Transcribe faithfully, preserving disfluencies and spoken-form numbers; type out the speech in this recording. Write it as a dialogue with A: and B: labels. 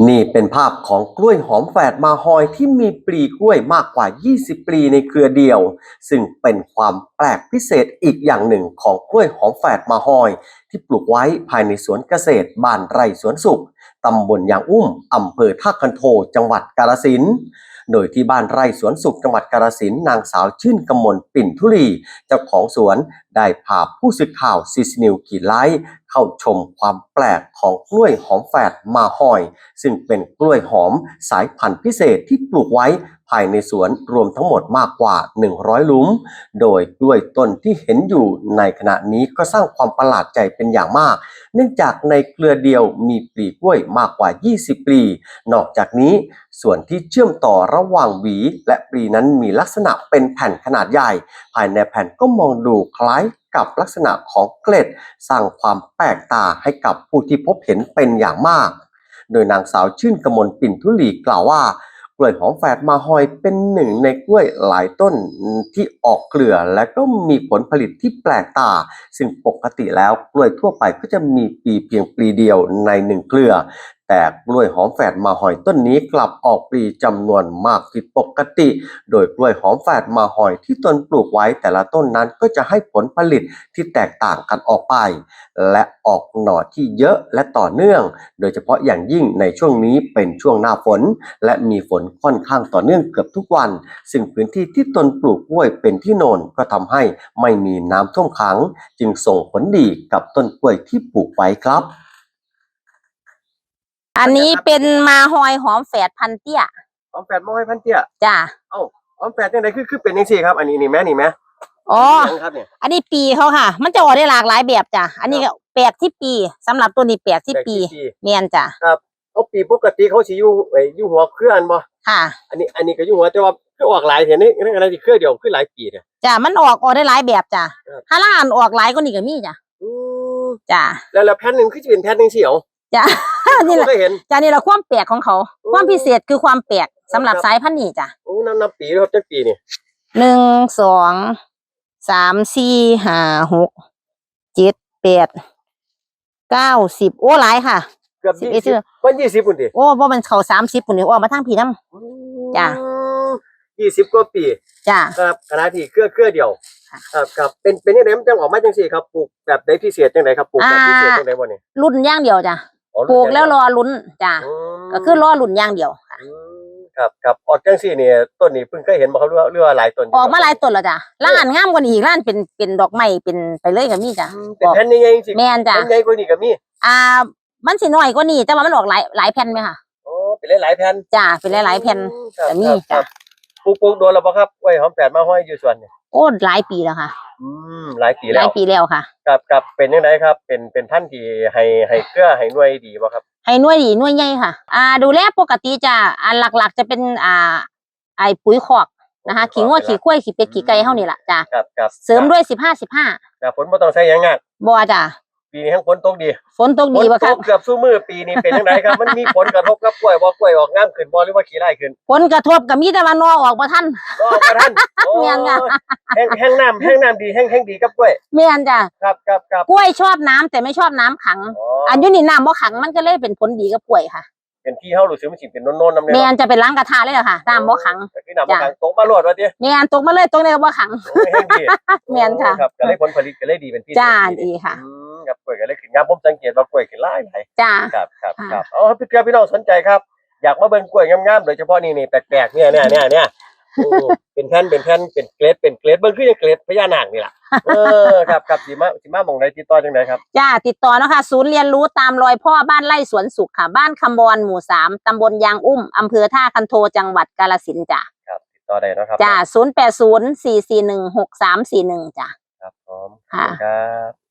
A: นี่เป็นภาพของกล้วยหอมแฝดมาฮอยที่มีปลีกล้วยมากกว่ายี่สิบปลีในเครือเดียวซึ่งเป็นความแปลกพิเศษอีกอย่างหนึ่งของกล้วยหอมแฝดมาฮอยที่ปลูกไว้ภายในสวนเกษตรบ้านไร่สวนสุขตำบลยางอุ้มอำเภอท่าคันโทจังหวัดกาฬสินธุ์โดยที่บ้านไร่สวนสุขจังหวัดกาฬสินธุ์นางสาวชื่นกมลปิ่นธุรีเจ้าของสวนได้พาผู้สื่อข่าวซีซีนิวขีดไลท์เข้าชมความแปลกของกล้วยหอมแฝดมาฮอยซึ่งเป็นกล้วยหอมสายพันธุ์พิเศษที่ปลูกไว้ภายในสวนรวมทั้งหมดมากกว่าหนึ่งร้อยหลุมโดยกล้วยต้นที่เห็นอยู่ในขณะนี้ก็สร้างความประหลาดใจเป็นอย่างมากเนื่องจากในเครือเดียวมีปลีกล้วยมากกว่ายี่สิบปลีนอกจากนี้ส่วนที่เชื่อมต่อระหว่างหวีและปลีนั้นมีลักษณะเป็นแผ่นขนาดใหญ่ภายในแผ่นก็มองดูคล้ายกับลักษณะของเกล็ดสร้างความแปลกตาให้กับผู้ที่พบเห็นเป็นอย่างมากโดยนางสาวชื่นกมลปิ่นธุลีกล่าวว่ากล้วยหอมแฝดมาฮอยเป็นหนึ่งในกล้วยหลายต้นที่ออกเครือและก็มีผลผลิตที่แปลกตาซึ่งปกติแล้วกล้วยทั่วไปก็จะมีปลีเพียงปลีเดียวในหนึ่งเครือแต่กล้วยหอมแฝดมาฮอยต้นนี้กลับออกปลีจำนวนมากผิดปกติโดยกล้วยหอมแฝดมาฮอยที่ตนปลูกไว้แต่ละต้นนั้นก็จะให้ผลผลิตที่แตกต่างกันออกไปและออกหน่อที่เยอะและต่อเนื่องโดยเฉพาะอย่างยิ่งในช่วงนี้เป็นช่วงหน้าฝนและมีฝนค่อนข้างต่อเนื่องเกือบทุกวันซึ่งพื้นที่ที่ตนปลูกกล้วยเป็นที่โนนก็ทำให้ไม่มีน้ำท่วมขังจึงส่งผลดีกับต้นกล้วยที่ปลูกไว้ครับ
B: อันนี้เป็นมาฮอยหอมแฝดพันเตี้ย
A: หอมแฝดมาฮอยพันเตี้ย
B: จ้า
A: เอ้าหอมแฝดจังได๋คือคือเป็นจังซี่ครับอันนี้นี่แม่นี่แม่
B: อ๋ออันนี้ปีเขาค่ะมันจะออกได้หลากหลายแบบจ้ะอันนี้ก็แปดที่ปีสำหรับตัวนี้แปดที่ปีแม่นจ้ะ
A: ครับเอาปีปกติเขาสิอยู่ไอ้อยู่หัวเครืออันบ่
B: ค่ะ
A: อันนี้อันนี้ก็อยู่หัวแต่ว่าคือออกหลายแท้นี่อะไรสิเครือเดียวคือหลายปีเนี่ย
B: จ้ะมันออกออกได้หลายแบบจ้ะถ้าล่านออกหลายกว่านี้ก็มีจ้ะ
A: อือ
B: จ้ะ
A: แล้วแล้วแผ่นนึงคือสิเป็นแผ่นจังซี่เหรอ
B: จ้ะนี่แหละจ้ะนี่แหละความแปลกของเขาความพิเศษคือความแปลกสำหรับสายพันธุ์นี้จ้ะ
A: โอ้นับนับปีครับจักปีนี่
B: หนึ่ง สอง สาม สี่ ห้า หก เจ็ด แปด เก้า สิบโอ้หลายค่ะ
A: เกือบยี่สิบมันยี่สิบพุ่นติ
B: โอ้บ่มันเข้าสามสิบพุ่นนี่ออกมาทางพี่นำจ้ะ
A: ยี่สิบกว่าปี
B: จ้ะ
A: ครับขณะที่เครือเครือเดียวครับครับเป็นเป็นจังได๋มันจังออกมาจังซี่ครับปลูกแบบใดพิเศษจังได๋ครับปลูกแบบพิเศษจังได๋บ่นี่
B: รุ่นอย่างเดียวจ้ะปลูกแล้วรอลุ้นจ้ะก็คือรอลุ้นอย่างเดียวค่ะ
A: ครับครับออกจังซี่นี่ต้นนี้เพิ่งเคยเห็นบ่ครับหรือว่าหรือว่าหลายต้น
B: ออกมาหลายต้นแล้วจ้ะล้านงามกว่านี้อีกล้านเป็นเป็นดอกไม้เป็นไปเลยก็มีจ้ะ
A: เป็นแผ่นใหญ่ๆจังซี่
B: แม่นจ้ะ
A: แผ่นใหญ่กว่านี้ก็มี
B: อ่ามันสิน้อยกว่านี้แต่ว่ามันออกหลายหลายแผ่นมั้ยค่ะ
A: อ๋อเป็นหลายๆแผ่น
B: จ้ะเป็นหลายๆแผ่นก็มีจ้ะ
A: ปลูกปลูกโดนแล้วบ่ครับกล้วยหอมแฝดมาห้อยอยู่สวนนี่
B: โอ้หลายปีแล้วค่ะ
A: อืมหลายปีแล้ว
B: หลายปีแล้วค่ะ
A: ครับครับเป็นจังได๋ครับเป็นเป็นพันธุ์ที่ให้ให้เครือให้หน่วยดีบ่ครับ
B: ให้หน่วยดีหน่วยใหญ่ค่ะอ่าดูแลปกติจ้ะอันหลักๆจะเป็นอ่าไอ้ปุ๋ยคอกนะคะขี้งัวขี้ควายขี้เป็ดขี้ไก่เฮานี่ล่ะจ้ะ
A: ครับ
B: ๆเสริมด้วยสิบห้า สิบห้า
A: แต่ฝนบ่ต้องใช้หยังงาก
B: บ่จ้ะ
A: ปีนี้ทั้งฝนตกดี
B: ฝนตกดีบ่ครับ
A: เกือบซุมื้อปีนี้เป็นจังไดครับมันมีผลกระทบกับกล้วยบ่กล้วยออกงามขึ้นบ่หรือว่าขี้ร้ายขึ้น
B: ผลกระทบก็มีแต่ว่านอออกบ่ทัน
A: นอออกบ่ทัน
B: แม่นค่ะ
A: แห้งแห้งน้ำแห้งน้ำดีแห้งแห้งดีกับกล้วย
B: แม่นจ้ะ
A: ครับครับ
B: ๆกล้วยชอบน้ำแต่ไม่ชอบน้ำขังอันอยู่นี่น้ำบ่ขังมันก็เลยเป็นผลดีกับกล้วยค่ะ
A: เป็นที่เฮารู้สึกมันสิเป็นโน่นๆนำ
B: แม่นจะเป็นล้างกระทะเลยค่ะน้ำบ่ขัง
A: คือน้ำบ่ขังตกมาโลดว่าติ
B: แม่นตกมาเลยตกในบ่ขัง
A: แห้งดี
B: แม่นค่ะ
A: ครับก็เลยผลผลิตก็เลยดีเป็นพิเศษ
B: จ้าดีค่ะ
A: อืมครับกล้วยก็เลยขึ้นงามผมสังเกตว่ากล้วยขึ้นหลายหลาย
B: จ้า
A: ครับครับครับอ๋อพี่เกลือพี่น้องสนใจครับอยากมาเบิ่งกล้วยงามๆโดยเฉพาะนี่นี่แปลกๆเนี่ยเนี่ยเนี่ยเนี่ยโอ้เป็นแผ่นเป็นแผ่นเป็นเกล็ดเป็นเกล็ดเบิ่งคือจังเกล็ดพญานาคนี่ล่ะเออครับครับสิมาสิมาหม่องใดติดต่อจังได๋ครับ
B: จ้าติดต่อเนาะค่ะศูนย์เรียนรู้ตามรอยพ่อบ้านไร่สวนสุขค่ะบ้านคำบอนหมู่สามตำบลยางอุ้มอำเภอท่าคันโทจังหวัดกาฬสินธุ์จ้ะ
A: ครับติดต่อได้นะครับ
B: จ้าศูนย์ แปด ศูนย์ สี่ สี่ หนึ่ง หก สาม สี่ หนึ่งจ้ะ
A: ครับพร้อมครับ